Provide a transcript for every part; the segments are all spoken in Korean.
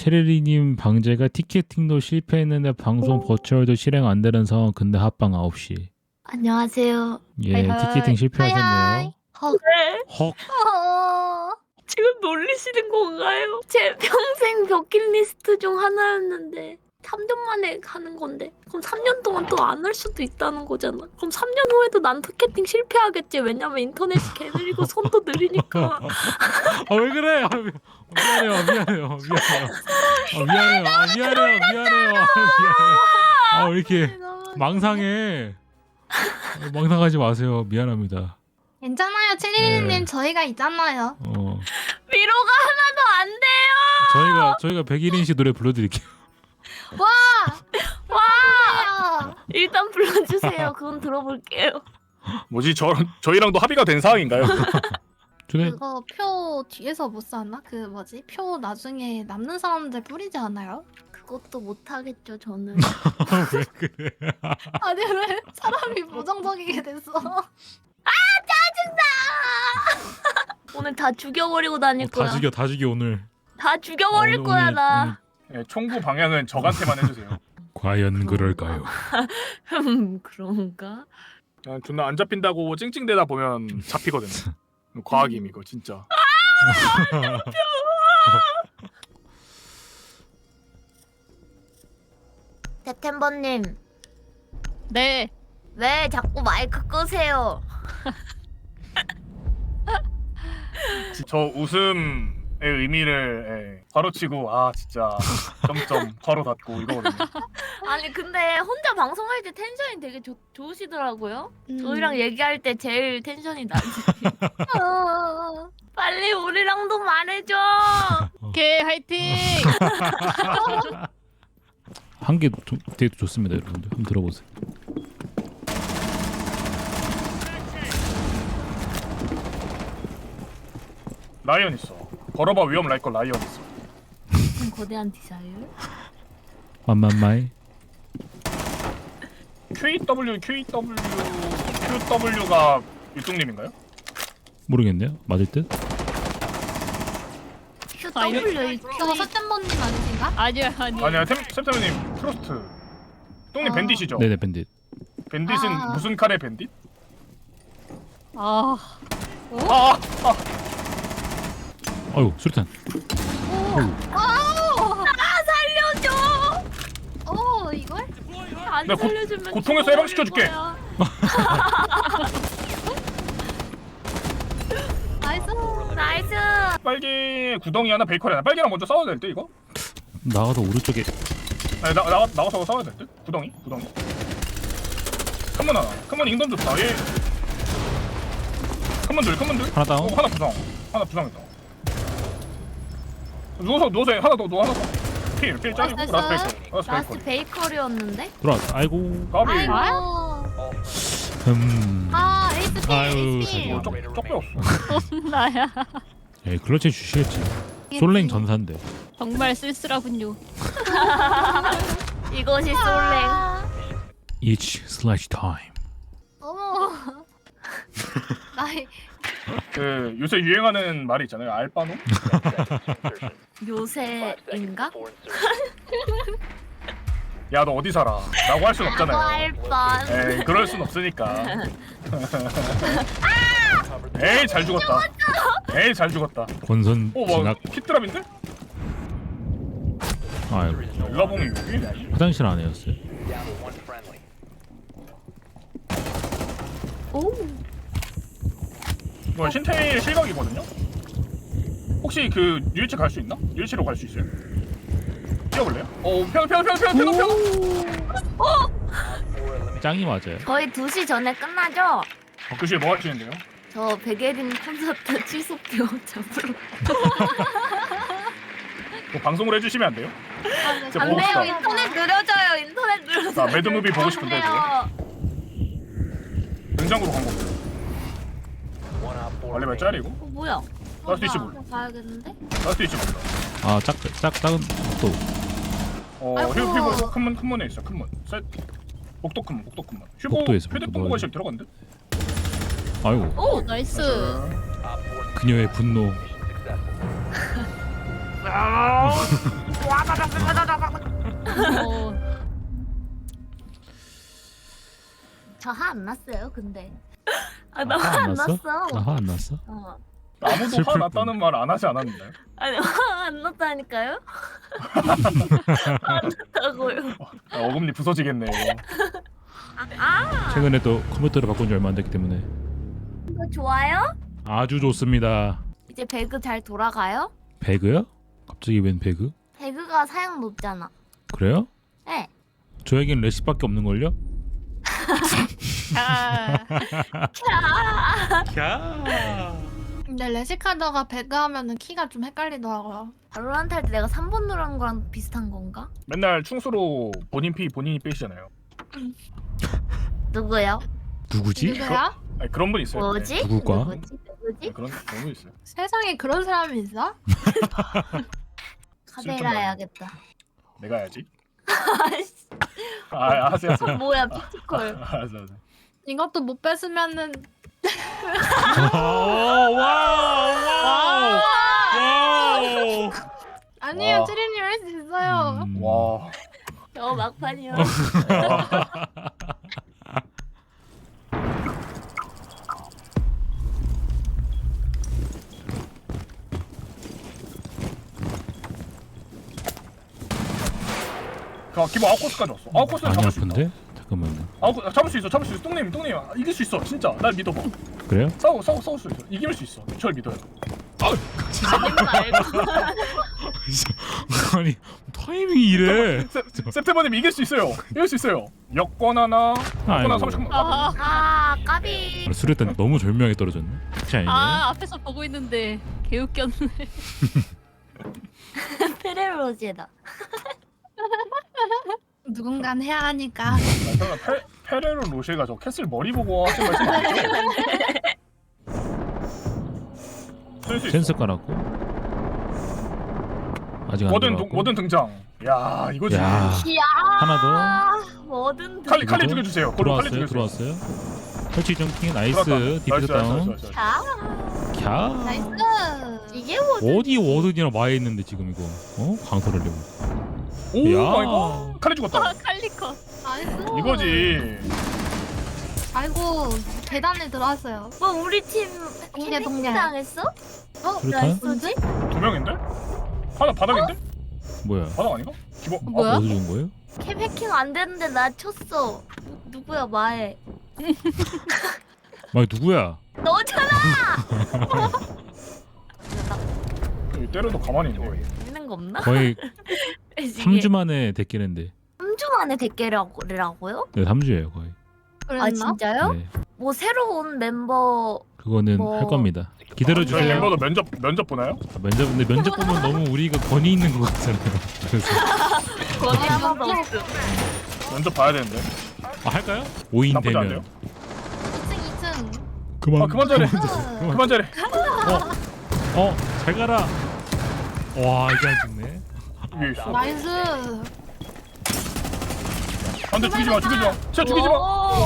체리리님 방제가 티켓팅도 실패했는데 방송 버추얼도 실행 안 되는 상황. 근데 합방 9시. 안녕하세요. 예, 하이하이. 티켓팅 실패하셨네요. 하이하이. 네. 헉. 지금 놀리시는 건가요? 제 평생 버킷리스트 중 하나였는데 3년 만에 가는 건데 그럼 3년 동안 또 안 할 수도 있다는 거잖아. 그럼 3년 후에도 난 티켓팅 실패하겠지. 왜냐면 인터넷이 개 느리고 손도 느리니까. 아, 왜 그래? 미안해요. 미안해요. 아, 왜 이렇게 망상해? 망상하지 마세요. 미안합니다. 괜찮아요, 체리님. 네. 저희가 있잖아요. 위로가 하나도 안 돼요. 저희가 백일인 씨 노래 불러드릴게요. 와! 일단 불러주세요. 그건 들어볼게요. 뭐지 저희랑도 합의가 된 사항인가요? 저네 그거 표 뒤에서 못 샀나? 그 뭐지? 표 나중에 남는 사람들 뿌리지 않아요? 그것도 못하겠죠 저는. 왜 그래? 아니 왜 사람이 부정적이게 됐어? 오늘 다 죽여버리고 다닐 거야. 다 죽여 오늘. 다 죽여버릴 오늘- 거야 오늘- 나. 네, 총구 방향은 적한테만 해주세요. 과연 그럴까요? 그런가? 그냥 존나 안 잡힌다고 찡찡대다 보면 잡히거든요. 과학임 이거 진짜. 세템버님 네. 왜 자꾸 마이크 끄세요? 저 웃음의 의미를 괄호치고 아 진짜 점점 괄호 닫고 이거거든요. 아니 근데 혼자 방송할 때 텐션이 되게 좋으시더라고요. 저희랑 얘기할 때 제일 텐션이 낮으시. 빨리 우리랑도 말해줘. 오케이, 화이팅! 한 개 되게 좋습니다, 여러분들. 한번 들어보세요. 라이언 있어. 걸어봐 위험 날 거 라이언 있어. 거대한 디자일. 만만마이. QW가 유뚱님인가요? 모르겠네요. 맞을 듯? QW 그거 서템버님 아니신가? 아니야. 아니야 템템님 프로스트. 똥님 밴딧이죠? 네네, 밴딧. 밴딧은 아. 무슨 칼의 밴딧? 아, 아! 아유, 수류탄. 살려줘. 이걸? 안 내가 살려주면 고통에서 죽어버릴 해방시켜줄게. 거야. 나이스. 나이스. 빨개 구덩이 하나 베이커리 하나. 빨개랑 먼저 싸워야 될 듯 이거? 나가서 오른쪽에. 아니 나가서 싸워야 될 듯? 구덩이? 큰문 하나. 큰문 인건 좋다. 얘 큰문들 하나 다운. 하나 부상했다. 누워서 해. 하나 더 필 짜리고 나이스. 라스트 라스트 베이커리. 베이커리였는데? 들어왔다. 아이고. 까비. 아이고. 에이스 필. 아유, 에이스 필. 죄송합니다. 쪽 배웠어. 나야. 예, 클러치 주시겠지. 솔랭 전사인데. 정말 쓸쓸하군요. 이것이 솔랭. Each slash time. 어머. 나이 그 요새 유행하는 말이 있잖아요. 알바노? 요새인가? 야 너 어디 살아? 라고 할 순 없잖아요. 알바. 에이 그럴 순 없으니까. 에이 잘 죽었다. 권선 뭐 진학. 키트랍인데? 아이고. 일라봉이 여기? 화장실 안에였어요. 오. 이거 신태일 실각이거든요? 혹시 그 유일치 갈 수 있나? 유일치로 갈 수 있어요? 뛰어볼래요? 평 짱이 맞아요. 거의 2시 전에 끝나죠? 교실에 뭐 하시는데요? 저 백예린 콘서트 취소표 잡으러. 뭐 방송을 해주시면 안 돼요? 진짜 안 보고 돼요. 싶다. 인터넷 느려져요. 아, 매드무비 보고 싶은데, 등장으로 간 건데. 원래 몇 짜리고? 뭐야? 라스트 25. 가야겠는데? 라스트 25. 아, 작은 또. 휴보 큰문에 있어. 큰문. 셋. 복도 큰문. 복도에서 휴대폰 복도 보관실 들어갔는데? 아이고. 오, 나이스. 그녀의 분노. 저 화 안 났어요, 근데. 아, 아, 나 화 화 안 안 났어? 났어. 나 화 안 났어? 어. 아무도 슬플 화났다는 말 안 하지 않았는데. 아니, 화 안 났다니까요? 안 났다고요. 어금니 부서지겠네 이거. 최근에 또 컴퓨터를 바꾼 지 얼마 안 됐기 때문에 이거 좋아요? 아주 좋습니다. 이제 배그 잘 돌아가요? 배그요? 갑자기 웬 배그? 배그가 사양 높잖아. 그래요? 네. 저에겐 레시밖에 없는 걸요? 아, 근데 레시카드가 배그하면은 키가 좀 헷갈리더라고요. 발로란트 할 때 내가 3번 누른 거랑 비슷한 건가? 맨날 충수로 본인 피 본인이 빼시잖아요. 누구요? 누구지? 누구야? 아니, 그런 분 있어요. 뭐지? 누굴까? 누구지? 네, 그런 분 있어요. 세상에 그런 사람이 있어? 카베라 해야겠다. 내가 해야지. 아이씨, 하세요. 뭐야 피지컬. 알았어. 이것도 못 뺐으면은 와우. 아니에요 와. 찌리님 할 수 있어요. 와. 막판이야. 기본 아웃코스까지 왔어. 아웃코스는 많이 잡을 수 있다. 아픈데? 잠깐만요. 잡을 수 있어. 똥님 이길 수 있어. 진짜 날 믿어봐. 그래요? 싸울 수 있어. 이길 수 있어. 절 믿어요. 아니 타이밍이 이래. 세프테버님 이길 수 있어요. 이길 수 있어요. 여권 하나, 아이고. 30만. 아, 까비. 수류탄 너무 절묘하게 떨어졌네. 그렇지 않니? 아, 앞에서 보고 있는데 개웃겼네. 페레로제다. 누군간 해야 하니까. 설마 페레로 로쉐가 저 캐슬 머리 보고 하신 말씀 아니죠? 쓸수 있어. 센스 깔았고 아직 안 워든 들어갔고. 워든 등장. 야 이거지. 야 이야. 하나 뭐든 칼리 이거죠? 죽여주세요. 그럼 칼리 들어왔어요. 죽여주세요. 설치 점킹 나이스. 들어왔다. 디피스 다운. 자. 캬. 나이스. 이게 뭐든. 어디 워든이랑 마에 있는데 지금 이거 강소를 내고. 오 야. 아이고 칼리 죽었다. 아, 칼리커. 나이스. 이거지. 아이고 계단에 들어왔어요. 뭐 우리 팀 동네, 캐릭 동네. 당했어? 수류탄? 나이스지? 2명인데? 하나 바닥인데? 뭐야? 바닥 아닌가? 기본. 뭐야? 어디 준 거예요? 캠 해킹 안 되는데 나 쳤어. 누구야 마에? 마 누구야? 너잖아. 때려도 가만히 있네. 있는 거 없나? 거의 이게 3주 만에 데끼는데. 3주 만에 대깨라고요? 네 3주예요 거의. 그랬나? 아 진짜요? 네. 뭐 새로운 멤버 그거는 뭐- 할 겁니다. 기다려 저희 주세요. 멤버도 면접 보나요? 근데 면접 보면 너무 우리가 권위 있는 것 같잖아요. 그래서 거기 하나도 없음. 면접 봐야 되는데. 할까요? 5인 나쁘지 않네요. 되면 2층 2층. 그만. 그만 잘해. 그만 잘해. 잘 가라. 와 이게 안 죽네. 위에 있어. 나이스. 안돼 죽이지 마. 진짜 죽이지 마.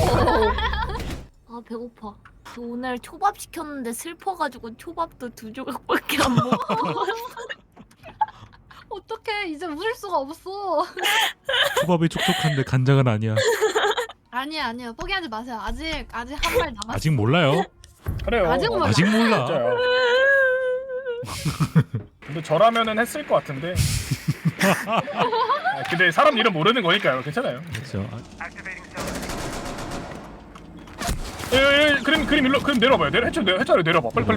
아 배고파. 저 오늘 초밥 시켰는데 슬퍼가지고 초밥도 2조각밖에 안 먹어. 어떡해 이제 웃을 수가 없어. 초밥이 촉촉한데 간장은 아니야. 아니에요 포기하지 마세요. 아직 한 발 남았어. 아직 몰라요. 그래요. 아직 몰라. 아직 몰라. 진짜요. 근데 저라면은 했을 것 같은데. 근데 사람 이름 모르는 거니까요. 괜찮아요. 그렇죠. 그림 일로 그림 내려봐요. 해차로 내려봐. 빨리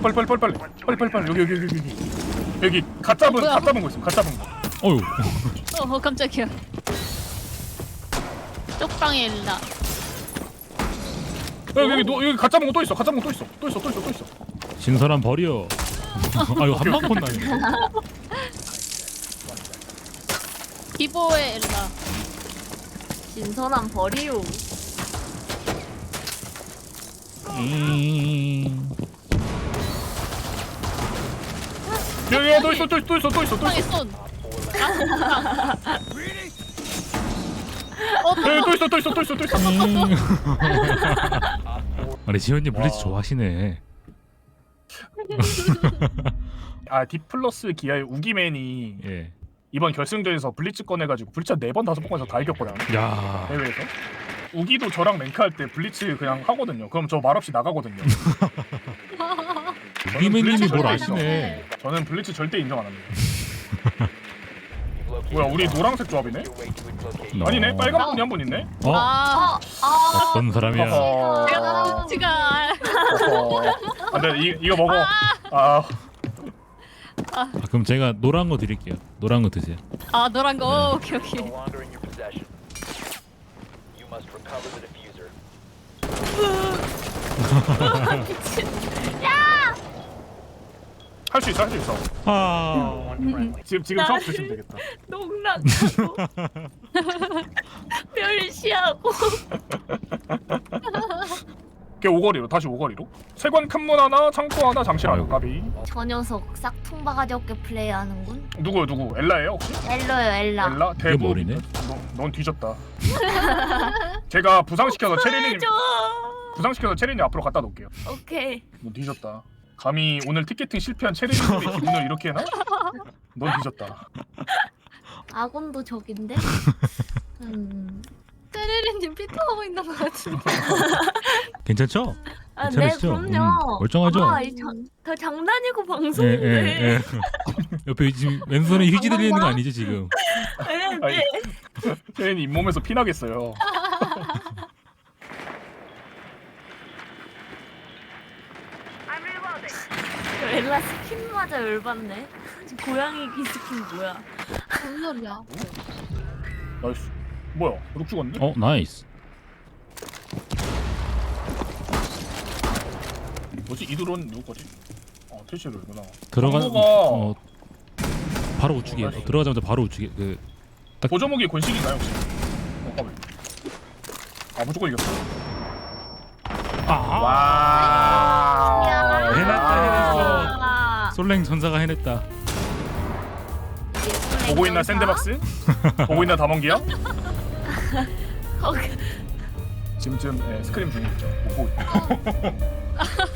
여기 갓 잡은 뭐야? 거 있어. 갓 잡은 거. 어유. 깜짝이야. 쪽방에 일라. 여기 갓 잡은 거 또 있어. 또 있어. 신선한 벌이요. 아유 한방 콘나네. 기보에 일라. 신선한 벌이요. 여기 또 있어. 쪽방에 손. 또 있어. 아니 지현님 블리츠 와. 좋아하시네. 디플러스 기아의 우기맨이 예. 이번 결승전에서 블리츠 꺼내가지고 블리츠 4번 5번 꺼내서 다 이겼거든요. 야. 대회에서. 우기도 저랑 랭크할 때 블리츠 그냥 하거든요. 그럼 저 말없이 나가거든요. 우기맨님이 뭘 절대 아시네. 저는 블리츠 절대 인정 안 합니다. 뭐야 우리 노란색 조합이네? 아니네 빨간 분이 한 분 있네? 어? 아, 어떤 사람이야? 어허. 제가 어허. 안돼 이거 먹어. 아 아, 그럼 제가 노란 거 드릴게요. 노란 거 드세요. 아 노란 거. 오케이 오케이. No longer in your possession. You must recover the diffuser. 할 수 있어 할 수 있어. 아. One friendly. 지금 처음 드시면 되겠다. 농락하고 멸시하고 걔 오거리로 다시 오거리로. 세관 큰 문 하나 창고 하나 장실 하나 아이고. 까비. 저 녀석 싹퉁 바가지 없게 플레이하는군. 누구 엘라예요 혹시? 엘러요 엘라. 엘라 대부. 머리네? 넌 뒤졌다. 제가 부상시켜서 체리님 저 부상시켜서 체리님 앞으로 갖다 놓을게요. 오케이. 넌 뒤졌다. 감히 오늘 티켓팅 실패한 체리님의 기분을 이렇게 해나? 넌 뒤졌다. 아군도 적인데. 떼르리님 피토하고 있는 거 같은데. 괜찮죠? 아, 네 괜찮으시죠? 그럼요. 멀쩡하죠? 아, 다 장난이고 예, 방송인데. 예, 예. 옆에 지금 왼손에 휴지 들리는 거 아니죠 지금? 네, 아니, 네. 체리님 잇몸에서 피나겠어요. 엘라 스킨마저 열받네. 고양이 기 스킨 뭐야? 뭔 소리야? 나이스. 뭐야? 룩 죽었네? 어, 나이스. 뭐지? 이드론 누구 거지? 퇴시를구나. 들어가. 정보가- 바로 우측에. 들어가자마자 바로 우측에. 보조무기 권식인가요 혹시? 까비. 무조건 이겼어. 아. 와. 해냈다, 해냈어. 아, 솔랭 전사가 해냈다. 보고 있나 샌드박스? 보고 있나 다mon기야? 어, 지금쯤 스크림 중이죠. 못 보고 있다.